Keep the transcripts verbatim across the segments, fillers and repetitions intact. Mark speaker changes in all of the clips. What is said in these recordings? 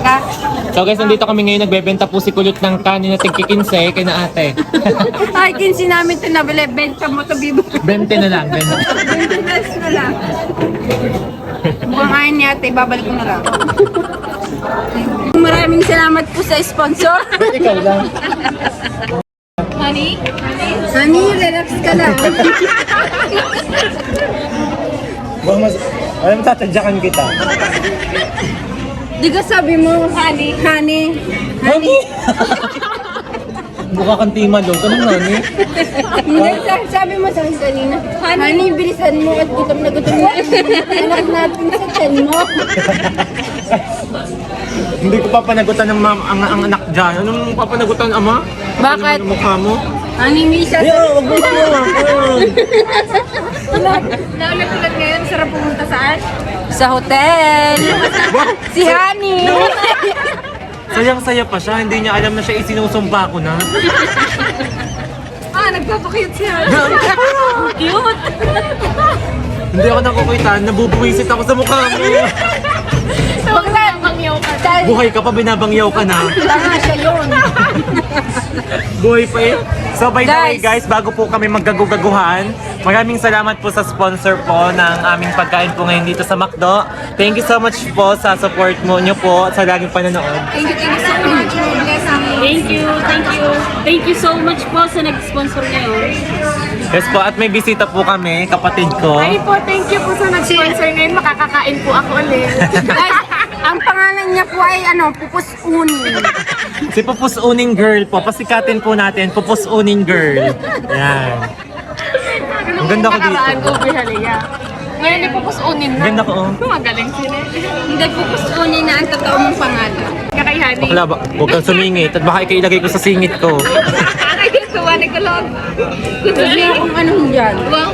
Speaker 1: So guys, nandito kami ngayon, nagbebenta po si Kulot ng kanin na tigkikinse kay na ate.
Speaker 2: Ay, kinsi namin ito nabili. Benta mo ito, bibo.
Speaker 1: twenty na lang, twenty.
Speaker 2: twenty pesos na lang. Mukhang ayaw ni ate, babalik ko na lang. Maraming salamat po sa sponsor.
Speaker 1: Ikaw lang.
Speaker 2: Honey? Honey, relax ka lang.
Speaker 1: Baka mas, alam mo, tatadyakan kita.
Speaker 2: Di ka sabi mo, honey, honey, honey.
Speaker 1: Mukha kang timalo, ganun nga ni.
Speaker 2: Hindi, sa- sabi mo sa akin kanina, honey, bilisan mo at gutom na gutom na. Anak natin sa tiyan mo.
Speaker 1: Hindi ko papanagutan ng mam, ang, ang anak dyan. Anong papanagutan, ama?
Speaker 2: Bakit?
Speaker 1: Ano mukha mo?
Speaker 2: Honey, Misha.
Speaker 1: Yo, wag mo mo.
Speaker 2: Naulat-ulat ngayon, sarap pumunta saan? Sa hotel. Si Honey.
Speaker 1: Sayang-saya pa siya, hindi niya alam na siya isinusumpa ko na.
Speaker 2: Ah, nagpapakute si Honey. Cute.
Speaker 1: Hindi ako nakukuitan, nabubuwisit ako sa mukha mo.
Speaker 2: Bangyaw ka. Dahil
Speaker 1: Buhay ka pa, binabangyaw ka na.
Speaker 2: tanga siya yun.
Speaker 1: Buhay pa eh. So by the way
Speaker 2: Guys.
Speaker 1: guys, bago po kami maggagugaguhan, maraming salamat po sa sponsor po ng aming pagkain po ngayon dito sa McDo. Thank you so much po sa support mo nyo po at sa laging panonood.
Speaker 2: Thank you, thank you so much. Bless ang
Speaker 3: Thank you, thank you. Thank you so much po sa nag-sponsor ngayon.
Speaker 1: Yes po, at may bisita po kami, kapatid ko.
Speaker 3: Ay po, thank you po sa nag-sponsor ngayon. Makakakain po ako ulit.
Speaker 2: Guys, ang pangalan niya po ay ano, Pupus Uni.
Speaker 1: Si Pupus Uning Girl po, pasikatin po natin, Pupus Uning Girl. Yan. Ang ganda ko dito.
Speaker 3: Nakaraan ko, Bihalia. Ngayon, ipupusunin
Speaker 1: Ang
Speaker 3: na.
Speaker 1: ganda ko oh.
Speaker 3: Magaling sila.
Speaker 2: Hindi, Pupus Uni na ang totoo mong pangalan.
Speaker 3: Kakayhani.
Speaker 1: Bakla ba? Huwag kang sumingit at baka ikailagay ko sa singit ko.
Speaker 3: Kakay, tuwa ni Kulog.
Speaker 2: Sabi akong anong dyan.
Speaker 3: Wow.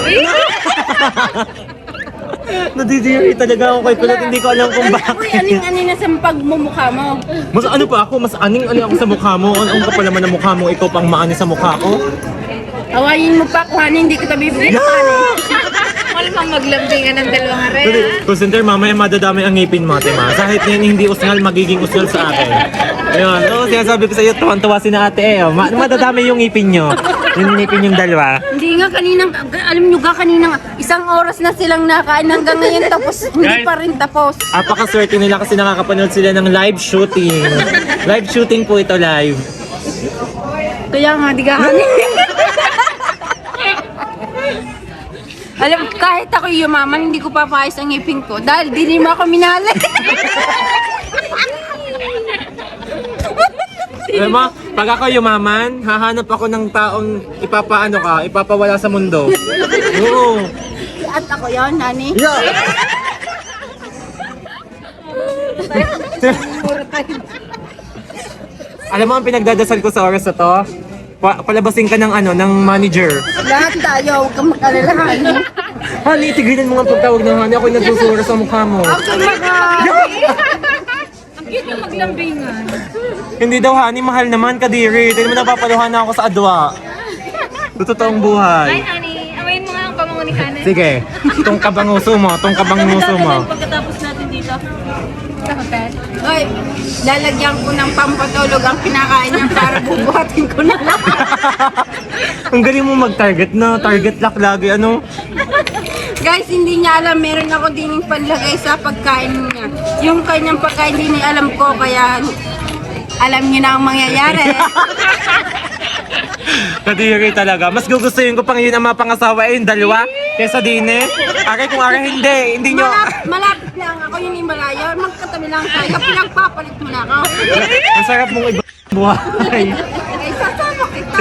Speaker 1: Nadidiri talaga ako kay Kulot, hindi ko alam kung
Speaker 2: Uy,
Speaker 1: bakit.
Speaker 2: aning-aning na sa pagmumukha mo.
Speaker 1: Mas ano pa ako, mas aning-aning ako sa mukha mo. Ano ka pa naman ang mukha mo, ikaw pang maani sa mukha ko.
Speaker 2: Awayin mo pa kung ano, hindi kita bibigyan ng kanin. Wala pang maglambingan ng dalawang are.
Speaker 1: Kasi, call center, mamaya madadami ang ngipin mo, ate ma. Kahit na yun hindi usngal, magiging usngal sa akin. Ayun, oo, sinasabi ko sa iyo, tuwan-tuwa si na ate eh. oh. Ma- madadami yung ngipin nyo. Yung ngipin yung dalawa.
Speaker 2: Hindi nga kaninang, alam nyo ga kaninang isang oras na silang nakain hanggang ngayon tapos hindi
Speaker 1: Guys.
Speaker 2: pa rin tapos.
Speaker 1: Apakaswerte nila kasi nakakapanood sila ng live shooting. Live shooting po ito live.
Speaker 2: Kaya nga, di ka kanin. Alam, kahit ako yumaman, hindi ko papayos ang ngipin ko dahil di mo ako minali.
Speaker 1: Alam mo, pag ako yumaman, hahanap ako ng taong ipapaano ka, ipapawala sa mundo. Oo.
Speaker 2: At ako yun, nani.
Speaker 1: Yeah. Alam mo ang pinagdadasal ko sa oras na to? Pa palabasin ka ng ano, ng manager.
Speaker 2: Lahat tayo, huwag kang mag-alalahan.
Speaker 1: Honey, tigilan mo nga pagtawag ng honey. Ako'y nagsusura sa mukha mo.
Speaker 2: Okay, mga...
Speaker 3: Ang cute yung maglambingan.
Speaker 1: Hindi daw honey, mahal naman kadiri. Hindi mo napapaluhan na ako sa adwa. Sa totoong buhay.
Speaker 3: Hi, honey. Awayin mo nga ang pamango ni Kanan.
Speaker 1: Sige, tong kabanguso mo, tong kabanguso mo.
Speaker 3: Pagkatapos natin dito.
Speaker 2: Sa hotel. Hoy, lalagyan ko ng pampatulog ang pinakain niya para bubuhatin ko na lang.
Speaker 1: Ang galing mo mag-target na, target lock lagi, ano?
Speaker 2: Guys, hindi niya alam, meron ako dining panlagay sa pagkain niya. Yung kanyang pagkain, hindi niya alam ko, kaya alam niyo na ang mangyayari.
Speaker 1: Kadiri talaga. Mas gugustuhin ko pang yun ang mga pangasawa eh, yung dalawa. Kesa din eh. Aray kung aray hindi, hindi nyo.
Speaker 2: Malapit, malapit lang ako yung Himalaya, magkatabi lang tayo, pinagpapalit mo na ako.
Speaker 1: Ang sarap mong iba buhay.
Speaker 2: Ay, sasama kita.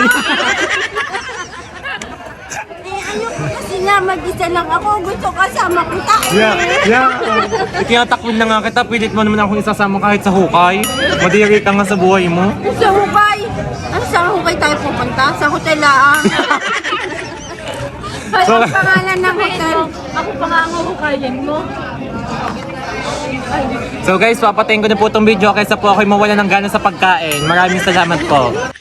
Speaker 2: Eh, ayoko kasi nga, mag-isa lang ako, gusto kasama kita.
Speaker 1: Yeah, yeah. Itinatakbin na nga kita, pilit mo naman akong isasama kahit sa hukay. Madiri ka nga sa buhay mo.
Speaker 2: Sa hukay. Ano sa hukay tayo pupunta? Sa hotel ah.
Speaker 1: So-
Speaker 2: Ano ang pangalan ng hotel?
Speaker 3: Ako pa nga ang huhukayin mo.
Speaker 1: So guys, papatayin ko na po itong video kaysa po ako'y mawala ng gana sa pagkain. Maraming salamat po.